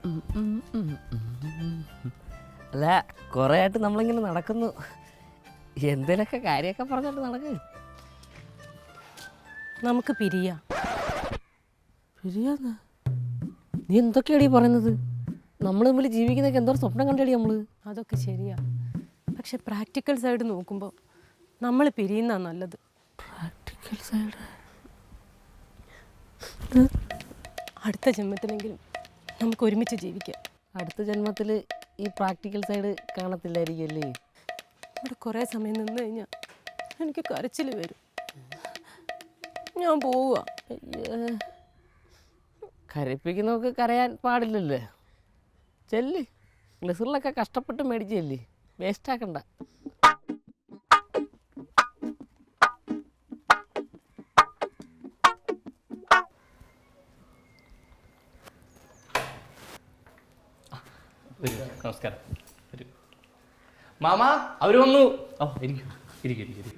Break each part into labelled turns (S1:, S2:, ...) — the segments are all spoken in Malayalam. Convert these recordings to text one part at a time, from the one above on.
S1: അല്ല, കുറേ ആയിട്ട് നമ്മളിങ്ങനെ നടക്കുന്നു. എന്തേലൊക്കെ കാര്യമൊക്കെ പറഞ്ഞിട്ട് നടക്ക്.
S2: നമുക്ക് പിരിയാം.
S1: പിരിയാന്ന്? നീ എന്തൊക്കെയാടി പറയുന്നത്? നമ്മൾ തമ്മിൽ ജീവിക്കുന്നതൊക്കെ എന്തോ സ്വപ്നം കണ്ടേടി നമ്മൾ.
S2: അതൊക്കെ ശരിയാ, പക്ഷെ പ്രാക്ടിക്കൽ സൈഡ് നോക്കുമ്പോൾ നമ്മൾ പിരിയുന്ന നല്ലത്.
S1: Practical side?
S2: അടുത്ത ജന്മത്തിലെങ്കിലും നമുക്ക് ഒരുമിച്ച് ജീവിക്കാം.
S1: അടുത്ത ജന്മത്തിൽ ഈ പ്രാക്ടിക്കൽ സൈഡ് കാണത്തില്ലായിരിക്കും അല്ലേ?
S2: ഇവിടെ കുറേ സമയം നിന്ന് കഴിഞ്ഞാൽ എനിക്ക് കരച്ചിൽ വരും. ഞാൻ പോവുക.
S1: കരയിപ്പിക്കുന്നവർക്ക് കരയാൻ പാടില്ലല്ലേ? ചെല്ല്, ഗ്ലിസറിലൊക്കെ കഷ്ടപ്പെട്ട് മേടിച്ചല്ലേ, വേസ്റ്റാക്കണ്ട.
S3: നമസ്കാരം. മാമ അവർ വന്നു. ഓ ഇരിക്കും ഇരിക്കും ഇരിക്കും.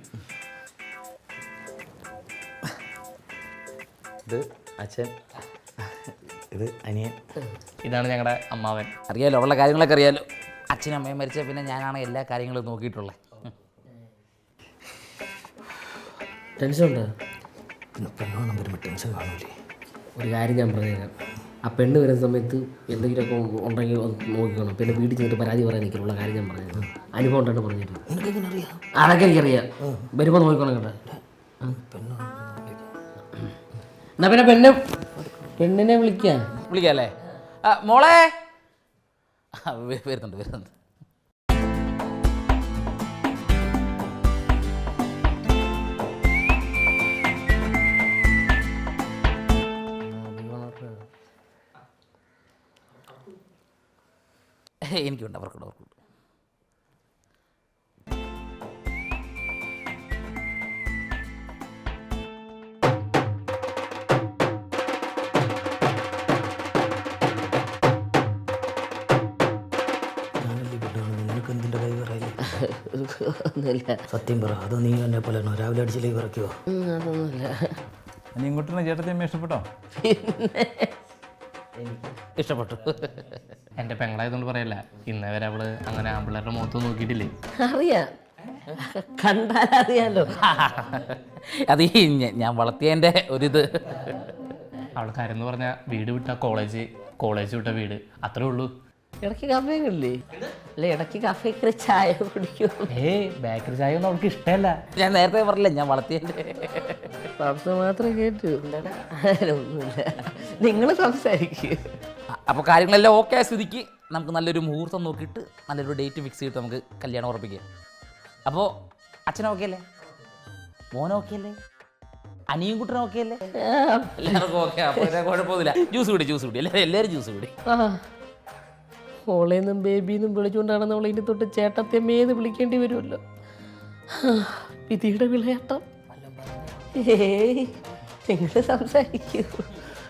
S4: ഇത് അച്ഛൻ, ഇത് അനിയൻ.
S3: ഇതാണ് ഞങ്ങളുടെ അമ്മാവൻ.
S4: അറിയാലോ, ഉള്ള കാര്യങ്ങളൊക്കെ അറിയാലോ. അച്ഛനും അമ്മയും മരിച്ച പിന്നെ ഞാനാണ് എല്ലാ കാര്യങ്ങളും നോക്കിയിട്ടുള്ളത്.
S1: ടെൻഷൻ ഉണ്ടോ?
S4: പെണ്ണോണം വരുമ്പോൾ ടെൻഷൻ കാണൂലേ?
S1: ഒരു കാര്യം ഞാൻ പറഞ്ഞുതരാം. ആ പെണ്ണ് വരുന്ന സമയത്ത് എന്തെങ്കിലുമൊക്കെ ഉണ്ടെങ്കിൽ ഒന്ന് നോക്കിക്കണം. പിന്നെ വീട്ടിൽ ചെന്നിട്ട് പരാതി പറയാൻ നിൽക്കുള്ള കാര്യം ഞാൻ പറഞ്ഞത് അനുഭവം ഉണ്ടെന്ന് പറഞ്ഞിട്ട്. അതൊക്കെ എനിക്കറിയാം. വരുമ്പോൾ നോക്കണം കേട്ടോ. എന്നാ പിന്നെ പെണ്ണിനെ വിളിക്കാം.
S4: വിളിക്കാല്ലേ? മോളെ വരുന്നുണ്ട് വരുന്നുണ്ട്. എനിക്കുണ്ട്, അവർക്കുണ്ട്.
S5: നിനക്കെന്തിൻ്റെ കൈ പറയില്ല?
S1: ഒന്നുമില്ല.
S5: സത്യം പറ, അതോ നീ എന്നെ പോലെ രാവിലെ അടിച്ച് ലൈവ് ഇറക്കിയോ?
S1: അതൊന്നുമില്ല.
S6: നീ ഇങ്ങോട്ടാണ് ചേട്ടത്തിയമ്മ ഇഷ്ടപ്പെട്ടോ?
S4: ഇഷ്ടപ്പെട്ടു.
S3: എൻ്റെ പെങ്ങളായതുകൊണ്ട് പറയല്ല, ഇന്നേ വരെ അവള് അങ്ങനെ ആമ്പിള്ളേരുടെ മുഖത്ത് നോക്കിയിട്ടില്ലേ.
S1: അറിയാം, കണ്ടാലറിയാലോ.
S4: അത് ഞാൻ വളർത്തിയതിൻ്റെ ഒരിത്.
S3: അവൾക്ക് ആരെന്ന് പറഞ്ഞാൽ വീട് വിട്ട കോളേജ് വിട്ട വീട്, അത്രേ ഉള്ളൂ.
S1: ഇടയ്ക്ക് കഫേ കില്ലേ? അല്ല, ഇടയ്ക്ക് കഫേ കയറി ചായ കുടിക്കും.
S3: ബേക്കറി ചായ ഒന്നും അവൾക്ക് ഇഷ്ടമല്ല.
S4: ഞാൻ നേരത്തെ പറഞ്ഞില്ല, ഞാൻ വളർത്തിയതിൻ്റെ
S1: സംസാരം മാത്രം കേട്ടു. ഒന്നുമില്ല, നിങ്ങൾ സംസാരിക്കുക.
S4: അപ്പോൾ കാര്യങ്ങളെല്ലാം ഓക്കെ ആയ സ്ഥിതിക്ക് നമുക്ക് നല്ലൊരു മുഹൂർത്തം നോക്കിയിട്ട് നല്ലൊരു ഡേറ്റ് ഫിക്സ് ചെയ്തിട്ട് നമുക്ക് കല്യാണം ഉറപ്പിക്കാം. അപ്പോൾ അച്ഛനും ഓക്കെ അല്ലേ? മോനും ഓക്കെ അല്ലേ? അനിയും കുട്ടനും ഓക്കെ അല്ലേ? എല്ലാവർക്കും ഓക്കെ. അപ്പോൾ കുഴപ്പമൊന്നുമില്ല. ജ്യൂസ് കുടി എല്ലാവരും ജ്യൂസ് കുടി.
S1: ഓളേന്നും ബേബിന്നും വിളിച്ചുകൊണ്ടാണ് നമ്മൾ ഇനി തൊട്ട് ചേട്ടത്തമ്മേന്ന് വിളിക്കേണ്ടി വരുമല്ലോ. വിധിയുടെ വിളയാട്ടം. നിങ്ങൾ സംസാരിക്കൂ.